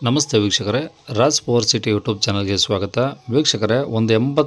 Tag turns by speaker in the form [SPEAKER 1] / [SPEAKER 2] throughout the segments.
[SPEAKER 1] ನಮಸ್ತೆ ವೀಕ್ಷಕರೇ, Raj power city YouTube ಚಾನಲ್ಗೆ ಸ್ವಾಗತ. ವೀಕ್ಷಕರೇ, ಒಂದು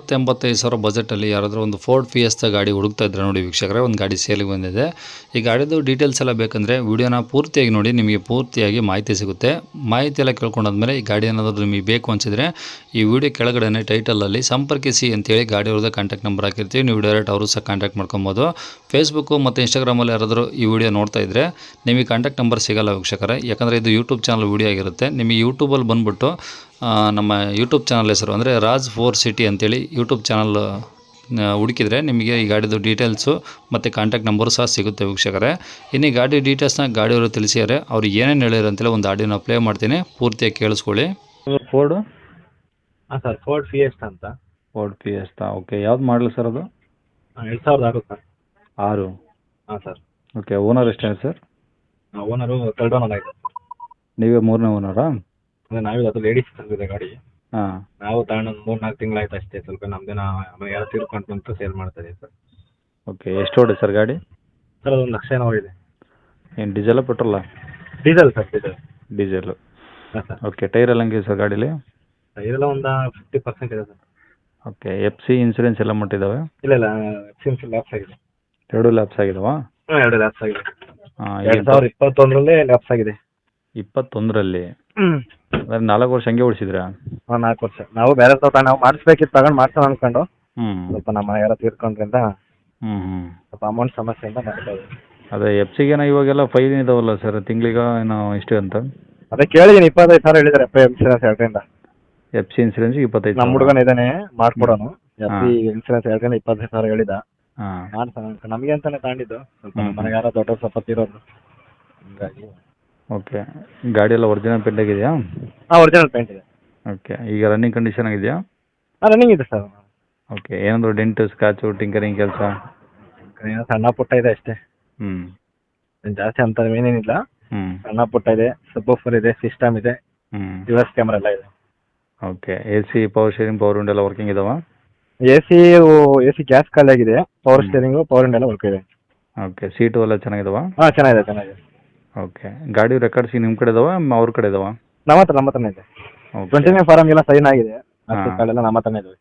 [SPEAKER 1] 85 ಸಾವಿರ ಬಜೆಟಲ್ಲಿ ಯಾರಾದರೂ ಒಂದು ಫೋರ್ಡ್ ಫಿಯೆಸ್ಟಾ ಗಾಡಿ ಹುಡುಕ್ತಾ ಇದ್ರೆ ನೋಡಿ ವೀಕ್ಷಕರೇ, ಒಂದು ಗಾಡಿ ಸೇಲಿಗೆ ಬಂದಿದೆ. ಈ ಗಾಡಿದು ಡೀಟೇಲ್ಸ್ ಎಲ್ಲ ಬೇಕಂದರೆ ವಿಡಿಯೋನ ಪೂರ್ತಿಯಾಗಿ ನೋಡಿ, ನಿಮಗೆ ಪೂರ್ತಿಯಾಗಿ ಮಾಹಿತಿ ಸಿಗುತ್ತೆ. ಮಾಹಿತಿ ಎಲ್ಲ ಕೇಳ್ಕೊಂಡಾದ್ಮೇಲೆ ಈ ಗಾಡಿ ಏನಾದರೂ ನಿಮಗೆ ಬೇಕು ಅನಿಸಿದರೆ ಈ ವಿಡಿಯೋ ಕೆಳಗಡೆ ಟೈಟಲಲ್ಲಿ ಸಂಪರ್ಕಿಸಿ ಅಂತೇಳಿ ಗಾಡಿ ಅವ್ರದ್ದು ಕಾಂಟ್ಯಾಕ್ಟ್ ನಂಬರ್ ಹಾಕಿರ್ತೀವಿ. ನೀವು ಡೈರೆಕ್ಟ್ ಅವರು ಸಹ ಕಾಂಟ್ಯಾಕ್ಟ್ ಮಾಡ್ಕೊಬೋದು. ಫೇಸ್ಬುಕ್ಕು ಮತ್ತು ಇನ್ಸ್ಟಾಗ್ರಾಮಲ್ಲಿ ಯಾರಾದರೂ ಈ ವಿಡಿಯೋ ನೋಡ್ತಾ ಇದ್ದರೆ ನಿಮಗೆ ಕಾಂಟ್ಯಾಕ್ಟ್ ನಂಬರ್ ಸಿಗೋಲ್ಲ ವೀಕ್ಷಕರೇ, ಯಾಕಂದರೆ ಇದು ಯೂಟ್ಯೂಬ್ ಚಾನಲ್ ವಿಡಿಯೋ ಆಗಿರುತ್ತೆ. ನಿಮಗೆ ಯೂಟ್ಯೂಬಲ್ಲಿ ಬಂದುಬಿಟ್ಟು ನಮ್ಮ ಯೂಟ್ಯೂಬ್ ಚಾನಲ್ ಹೆಸರು ಅಂದರೆ ರಾಜ್ ಪವರ್ ಸಿಟಿ ಅಂತೇಳಿ ಯೂಟ್ಯೂಬ್ ಚಾನಲ್ ಹುಡುಕಿದರೆ ನಿಮಗೆ ಈ ಗಾಡಿದು ಡೀಟೇಲ್ಸು ಮತ್ತು ಕಾಂಟ್ಯಾಕ್ಟ್ ನಂಬರು ಸಹ ಸಿಗುತ್ತೆ ವೀಕ್ಷಕರೇ. ಇನ್ನು ಈ ಗಾಡಿ ಡೀಟೇಲ್ಸ್ನ ಗಾಡಿಯವರು ತಿಳಿಸಿದ್ದಾರೆ. ಅವ್ರು ಏನೇನು ಹೇಳಿದ್ರು ಅಂತೇಳಿ ಒಂದು ಆಡಿಯೋನ ಪ್ಲೇ ಮಾಡ್ತೀನಿ, ಪೂರ್ತಿಯಾಗಿ ಕೇಳಿಸ್ಕೊಳ್ಳಿ.
[SPEAKER 2] ಫೋರ್ಡು
[SPEAKER 3] ಹಾಂ ಸರ್, ಫೋರ್ಡ್ ಫಿಯೆಸ್ಟಾ ಅಂತ.
[SPEAKER 2] Ford Fiesta, okay. ಯಾವ್ದು ಮಾಡಲು ಸರ್ ಅದು?
[SPEAKER 3] 2006 ಸರ್.
[SPEAKER 2] 6.
[SPEAKER 3] ಹಾಂ ಸರ್.
[SPEAKER 2] ಓಕೆ. ಓನರ್ ಎಷ್ಟಿದೆ ಸರ್?
[SPEAKER 3] ಓನರು ಥರ್ಡ್ ಓನರ್ ಆಗಿದೆ.
[SPEAKER 2] ನೀವೇ 3ನೇ ಓನರಾ?
[SPEAKER 3] ಅಂದರೆ ನಾವೇ ಅದು ಲೇಡೀಸ್ ತಂದಿದೆ ಗಾಡಿ.
[SPEAKER 2] ಹಾಂ.
[SPEAKER 3] ನಾವು ತಗೊಂಡು ಒಂದು 3-4 ತಿಂಗಳಾಯ್ತು ಅಷ್ಟೇ. ಸ್ವಲ್ಪ ನಮ್ಮದೇನ ಆಮೇಲೆ ಯಾರು ತೀರ್ಕೊಂಡು ಬಂತು ಸೇಲ್ ಮಾಡ್ತಾ ಇದೀವಿ ಸರ್.
[SPEAKER 2] ಓಕೆ. ಎಷ್ಟು ಓಡಿದೆ ಸರ್ ಗಾಡಿ?
[SPEAKER 3] ಸರ್ ಅದೊಂದು 1 ಲಕ್ಷ ಏನೋ ಇದೆ.
[SPEAKER 2] ಏನು ಡೀಸೆಲ್ಲ ಪೆಟ್ರೋಲಾ?
[SPEAKER 3] Diesel sir, diesel.
[SPEAKER 2] ಡೀಸೆಲು.
[SPEAKER 3] ಹಾಂ ಸರ್.
[SPEAKER 2] ಓಕೆ. ಟೈರ್ ಎಲ್ಲ ಹಂಗಿದೆ ಸರ್ ಗಾಡೀಲಿ?
[SPEAKER 3] ಇದೆಲ್ಲ ಒಂದು 50% ಇದೆ sir.
[SPEAKER 2] Okay. F C insurance ಎಲ್ಲ ಮಟ್ಟಿದ್ದಾವೆ?
[SPEAKER 3] ಇಲ್ಲ ಎಕ್ಸ್ಪೆನ್ಸಿವ್ ಲ್ಯಾಪ್ಸ್ ಆಗಿದೆ.
[SPEAKER 2] 2 ಲ್ಯಾಪ್ಸ್ ಆಗಿದಾವಾ?
[SPEAKER 3] ಹಾಂ, 2 ಲ್ಯಾಪ್ಸ್ ಆಗಿದೆ.
[SPEAKER 2] ಹಾಂ.
[SPEAKER 3] 2021 ಲ್ಯಾಪ್ಸ್ ಆಗಿದೆ.
[SPEAKER 2] 21ರಲ್ಲಿ? ಅಂದರೆ 4 ವರ್ಷ ಹಂಗೆ ಓಡಿಸಿದ್ರಾ?
[SPEAKER 3] ಹಾಂ, 4 ವರ್ಷ. ನಾವು ಬೇರೆ ನಾವು ಮಾಡಿಸ್ಬೇಕಿತ್ತು, ತಗೊಂಡು ಮಾಡ್ಸೋಣ ಅಂದ್ಕೊಂಡು ಸ್ವಲ್ಪ ನಮ್ಮ ಯಾರೋ ತೀರ್ಕೊಂಡ್ರಿಂದ ಸ್ವಲ್ಪ ಅಮೌಂಟ್ ಸಮಸ್ಯೆಯಿಂದ ಮಾಡ್ತಾ ಇದ್ದೀವಿ.
[SPEAKER 2] ಅದೇ ಎಫ್ ಸಿಗೇನೋ ಇವಾಗೆಲ್ಲ ಫೈನ್ ಇದಾವಲ್ಲ ಸರ್, ತಿಂಗಳಿಗೆ ಏನೋ ಇಷ್ಟು ಅಂತ?
[SPEAKER 3] ಅದೇ ಕೇಳಿದ್ದೀನಿ, 25,000 ಹೇಳಿದ್ದಾರೆ ಇನ್ಸೂರೆನ್ಸ್ 2ರಿಂದ.
[SPEAKER 2] F C insurance 25?
[SPEAKER 3] ನಮ್ಮ ಹುಡುಗನ ಇದ್ದಾನೆ ಮಾಡ್ಕೊಡೋನು. ಎಫ್ ಸಿ ಇನ್ಸೂರೆನ್ಸ್ 2ರಿಂದ 25,000 ಹೇಳಿದ.
[SPEAKER 2] ಹಾಂ.
[SPEAKER 3] ಮಾಡ್ಸೋಣ ಅಂತ ನಮಗೆ ಅಂತಾನೆ ತಗೊಂಡಿದ್ದು. ಸ್ವಲ್ಪ ಮನೆಗೆ ಯಾರೋ ದೊಡ್ಡವ್ರು ಸ್ವಲ್ಪ ತೀರೋದು, ಹಂಗಾಗಿ.
[SPEAKER 2] ಓಕೆ. ಗಾಡಿ ಎಲ್ಲ ಒರಿಜಿನಲ್ ಪೇಂಟ್ ಆಗಿದೆಯಾ?
[SPEAKER 3] ಹಾಂ, ಒರಿಜಿನಲ್ ಪೇಂಟ್ ಇದೆ.
[SPEAKER 2] ಓಕೆ. ಈಗ ರನ್ನಿಂಗ್ ಕಂಡೀಷನ್ ಆಗಿದೆಯಾ?
[SPEAKER 3] ಹಾಂ, ರನ್ನಿಂಗ್ ಇದೆ ಸರ್.
[SPEAKER 2] ಓಕೆ. ಏನಾದರೂ ಡೆಂಟು, ಸ್ಕ್ರಾಚು, ಟಿಂಕರಿಂಗ್ ಕೆಲಸ?
[SPEAKER 3] ಏನೋ ಸಣ್ಣ ಪುಟ್ಟ ಇದೆ ಅಷ್ಟೇ. ಜಾಸ್ತಿ ಅಂತ ಏನೇನಿಲ್ಲ. ಸಣ್ಣ ಪುಟ್ಟ ಇದೆ. ಸಬ್ವೂಫರ್ ಇದೆ, ಸಿಸ್ಟಮ್ ಇದೆ, ರಿವರ್ಸ್ ಕ್ಯಾಮ್ರಾ ಎಲ್ಲ ಇದೆ.
[SPEAKER 2] Okay. A C, power steering, power window ಎಲ್ಲ ವರ್ಕಿಂಗ್ ಇದಾವ?
[SPEAKER 3] ಎ ಸಿ ಗ್ಯಾಸ್ ಖಾಲಿ ಆಗಿದೆ. ಪವರ್ ಸ್ಟೇರಿಂಗು, ಪವರ್ ವಿಂಡೋ ಎಲ್ಲ ವರ್ಕ್ ಇದೆ.
[SPEAKER 2] ಓಕೆ. ಸೀಟು ಎಲ್ಲ ಚೆನ್ನಾಗಿದಾವ?
[SPEAKER 3] ಹಾಂ, ಚೆನ್ನಾಗಿದೆ.
[SPEAKER 2] ಓಕೆ. ಗಾಡಿ ರೆಕಾರ್ಡ್ಸ್ ನಿಮ್ಮ ಕಡೆ ಇದಾವ, ಅವ್ರ ಕಡೆ ಇದಾವ?
[SPEAKER 3] ನಮ್ಮ ಹತ್ರನೇ ಇದೆ. 29 ಫಾರಮ್ ಎಲ್ಲ ಸೈನ್ ಆಗಿದೆ. ಅಷ್ಟು ಕಾಲೆಲ್ಲ ನಮ್ಮ ಹತ್ರನೇ ಇದಾವೆ.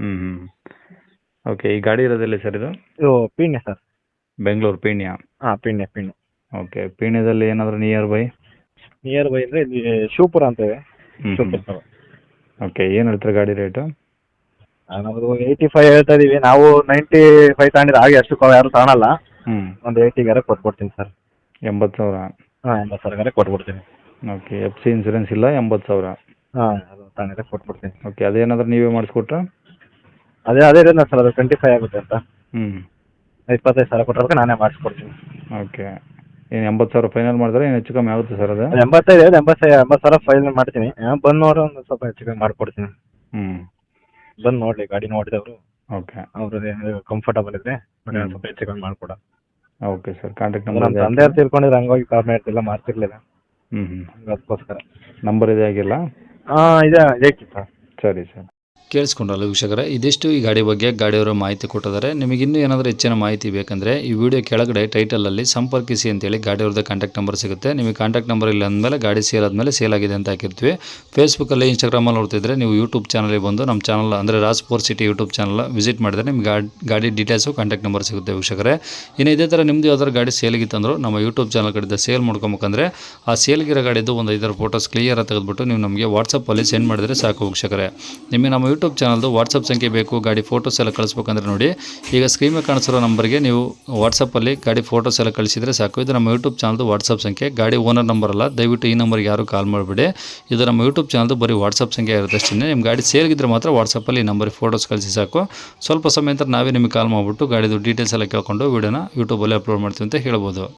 [SPEAKER 2] ಓಕೆ. ಈ ಗಾಡಿ ಇರೋದಿಲ್ಲ ಸರ್ ಇದು?
[SPEAKER 3] ಇದು ಪೀಣ್ಯ ಸರ್.
[SPEAKER 2] ಬೆಂಗಳೂರು ಪೀಣ್ಯ?
[SPEAKER 3] ಹಾಂ, ಪೀಣ್ಯ.
[SPEAKER 2] ಓಕೆ. ಪೀಣ್ಯದಲ್ಲಿ ಏನಾದರೂ ನಿಯರ್ ಬೈ
[SPEAKER 3] ಅಂದರೆ ಇಲ್ಲಿ ಶಿವಪುರ ಅಂತೇವೆ. ಶಿವಪುರ.
[SPEAKER 2] ಓಕೆ. ಏನು ಹೇಳ್ತಾರೆ ಗಾಡಿ ರೇಟು?
[SPEAKER 3] ನಾವು 85 ಹೇಳ್ತಾ ಇದೀವಿ. ನಾವು 95 ತಗೊಂಡಿದ್ದು, ಹಾಗೆ ಅಷ್ಟು ಯಾರು ತಗೊಳಲ್ಲ. ಒಂದು 80 ಕೊಟ್ಬಿಡ್ತೀನಿ ಸರ್.
[SPEAKER 2] 80,000?
[SPEAKER 3] ಹಾಂ, 80,000 ಕೊಟ್ಬಿಡ್ತೀನಿ.
[SPEAKER 2] ಓಕೆ. ಎಫ್ ಸಿ ಇನ್ಸೂರೆನ್ಸ್ ಇಲ್ಲ, 80,000?
[SPEAKER 3] ಹಾಂ, ಅದು ತಗೊಂಡಿದ್ರೆ ಕೊಟ್ಬಿಡ್ತೀನಿ.
[SPEAKER 2] ಓಕೆ. ಅದೇನಾದರೂ ನೀವೇ ಮಾಡಿಸ್ಕೊಟ್ರೆ?
[SPEAKER 3] ಅದೇ ಇದೆ ಸರ್, ಅದು 25 ಆಗುತ್ತೆ ಅಂತ. 25,000 ಕೊಟ್ಟರೆ ನಾನೇ ಮಾಡಿಸ್ಕೊಡ್ತೀನಿ.
[SPEAKER 2] ಓಕೆ. ಏನು 80,000 ಫೈನಲ್ ಮಾಡಿದ್ರೆ ಏನು ಹೆಚ್ಚು ಕಮ್ಮಿ ಆಗುತ್ತೆ ಸರ್ ಅದು?
[SPEAKER 3] 80,000 ಫೈನಲ್ ಮಾಡ್ತೀನಿ. ಬಂದು ನೋಡಿ ಒಂದು ಸ್ವಲ್ಪ ಹೆಚ್ಚು ಕಮ್ಮಿ ಮಾಡಿಕೊಡ್ತೀನಿ. ಬಂದು ನೋಡಲಿ, ಗಾಡಿ ನೋಡಿದವರು.
[SPEAKER 2] ಓಕೆ.
[SPEAKER 3] ಅವ್ರದ್ದು ಕಂಫರ್ಟಬಲ್ ಇದ್ರೆ ಸ್ವಲ್ಪ ಹೆಚ್ಚು ಕಮ್ಮಿ ಮಾಡಿಕೊಡ.
[SPEAKER 2] Okay sir. ಕಾಂಟ್ಯಾಕ್ಟ್
[SPEAKER 3] ನಮ್ಮ
[SPEAKER 2] ನಂಬರ್?
[SPEAKER 3] ತಂದೆ ತಿಳ್ಕೊಂಡಿದ್ರೆ ಹಂಗಾಗಿ ಕಾಲ್ ಮಾಡ್ತಿಲ್ಲ, ಮಾಡ್ತಿರ್ಲಿಲ್ಲ. ಅದಕ್ಕೋಸ್ಕರ.
[SPEAKER 2] ನಂಬರ್ ಇದೆ ಆಗಿಲ್ಲ?
[SPEAKER 3] ಹಾಂ, ಇದೆ ಸರ್.
[SPEAKER 2] ಸರಿ ಸರ್.
[SPEAKER 1] ಕೇಳಿಸ್ಕೊಂಡ್ರಲ್ಲ ವೀಕ್ಷಕರೇ, ಇದಿಷ್ಟು ಈ ಗಾಡಿ ಬಗ್ಗೆ ಗಾಡಿಯವರು ಮಾಹಿತಿ ಕೊಟ್ಟಿದ್ದಾರೆ. ನಿಮಗೆ ಇನ್ನೂ ಏನಾದರೂ ಹೆಚ್ಚಿನ ಮಾಹಿತಿ ಬೇಕಂದರೆ ಈ ವಿಡಿಯೋ ಕೆಳಗಡೆ ಟೈಟಲಲ್ಲಿ ಸಂಪರ್ಕಿಸಿ ಅಂತೇಳಿ ಗಾಡಿಯವ್ರದ್ದು ಕಾಂಟ್ಯಾಕ್ಟ್ ನಂಬರ್ ಸಿಗುತ್ತೆ. ನಿಮಗೆ ಕಾಂಟ್ಯಾಕ್ಟ್ ನಂಬರ್ ಇಲ್ಲ ಅಂದಮೇಲೆ ಗಾಡಿ ಸೇಲ್ ಆದಮೇಲೆ ಸೇಲ್ ಆಗಿದೆ ಅಂತ ಹಾಕಿರ್ತೀವಿ. ಫೇಸ್ಬುಕ್ಕಲ್ಲಿ, ಇನ್ಸ್ಟಾಗ್ರಾಮಲ್ಲಿ ನೋಡ್ತಿದ್ರೆ ನೀವು ಯೂಟ್ಯೂಬ್ ಚಾನಲ್ಗೆ ಬಂದು ನಮ್ಮ ಚಾನಲ್ ಅಂದರೆ Raj power city YouTube channel visit ಮಾಡಿದ್ರೆ ನಿಮ್ಗೆ ಗಾಡಿ ಡೀಟೇಲ್ಸು, ಕಾಂಟ್ಯಾಕ್ಟ್ ನಂಬರ್ ಸಿಗುತ್ತೆ ವೀಕ್ಷಕರೇ. ಇನ್ನು ಇದೇ ಥರ ನಿಮ್ಮದು ಯಾವ್ದಾದ್ರು ಗಾಡಿ ಸೇಲ್ಗಿತ್ತಂದ್ರು ನಮ್ಮ ಯೂಟ್ಯೂಬ್ ಚಾನಲ್ ಕಡೆಯಿಂದ ಸೇಲ್ ಮಾಡ್ಕೊಬೇಕಂದ್ರೆ ಆ ಸೇಲ್ಗಿರೋ ಗಾಡಿದು ಒಂದು 5 ಫೋಟೋಸ್ ಕ್ಲಿಯರಾಗಿ ತೆಗೆದುಬಿಟ್ಟು ನೀವು ನಮಗೆ ವಾಟ್ಸಪ್ಪಲ್ಲಿ ಸೆಂಡ್ ಮಾಡಿದರೆ ಸಾಕು ವೀಕ್ಷಕರೇ. ನಿಮಗೆ ನಮ್ಮ ಯೂಟ್ಯೂಬ್ ಚಾನಲ್ದು ವಾಟ್ಸಪ್ ಸಂಖ್ಯೆ ಬೇಕು, ಗಾಡಿ ಫೋಟೋಸ್ ಎಲ್ಲ ಕಳಿಸ್ಬೇಕಂದ್ರೆ ನೋಡಿ, ಈಗ ಸ್ಕ್ರೀನ್ ಮೇಲೆ ಕಾಣಿಸಿರೋ ನಂಬರ್ಗೆ ನೀವು ವಾಟ್ಸಪ್ಪಲ್ಲಿ ಗಾಡಿ ಫೋಟೋಸ್ ಎಲ್ಲ ಕಳಿಸಿದರೆ ಸಾಕು. ಇದು ನಮ್ಮ ಯೂಟ್ಯೂಬ್ ಚಾನಲ್ದು ವಾಟ್ಸಪ್ ಸಂಖ್ಯೆ, ಗಾಡಿ ಓನರ್ ನಂಬರ್ ಅಲ್ಲ. ದಯವಿಟ್ಟು ಈ ನಂಬರ್ಗೆ ಯಾರು ಕಾಲ್ ಮಾಡಿಬಿಡಿ. ಇದು ನಮ್ಮ ಯೂಟ್ಯೂಬ್ ಚಾನಲ್ದು ಬರೀ ವಾಟ್ಸಪ್ ಸಂಖ್ಯೆ ಇರುತ್ತೆ ಅಷ್ಟೇ. ನಿಮ್ಮ ಗಾಡಿ ಸೇಲ್ಗಿದ್ರೆ ಮಾತ್ರ ವಾಟ್ಸಪ್ಪಲ್ಲಿ ಈ ನಂಬರಿಗೆ ಫೋಟೋಸ್ ಕಳಿಸಿ ಸಾಕು. ಸ್ವಲ್ಪ ಸಮಯ ನಂತರ ನಾವೇ ನಿಮಗೆ ಕಾಲ್ ಮಾಡಿಬಿಟ್ಟು ಗಾಡಿದು ಡೀಟೇಲ್ಸ್ ಎಲ್ಲ ಕೇಳ್ಕೊಂಡು ವೀಡಿಯೋನ ಯೂಟ್ಯೂಬಲ್ಲಿ ಅಪ್ಲೋಡ್ ಮಾಡ್ತೀವಿ ಅಂತ ಹೇಳ್ಬೋದು.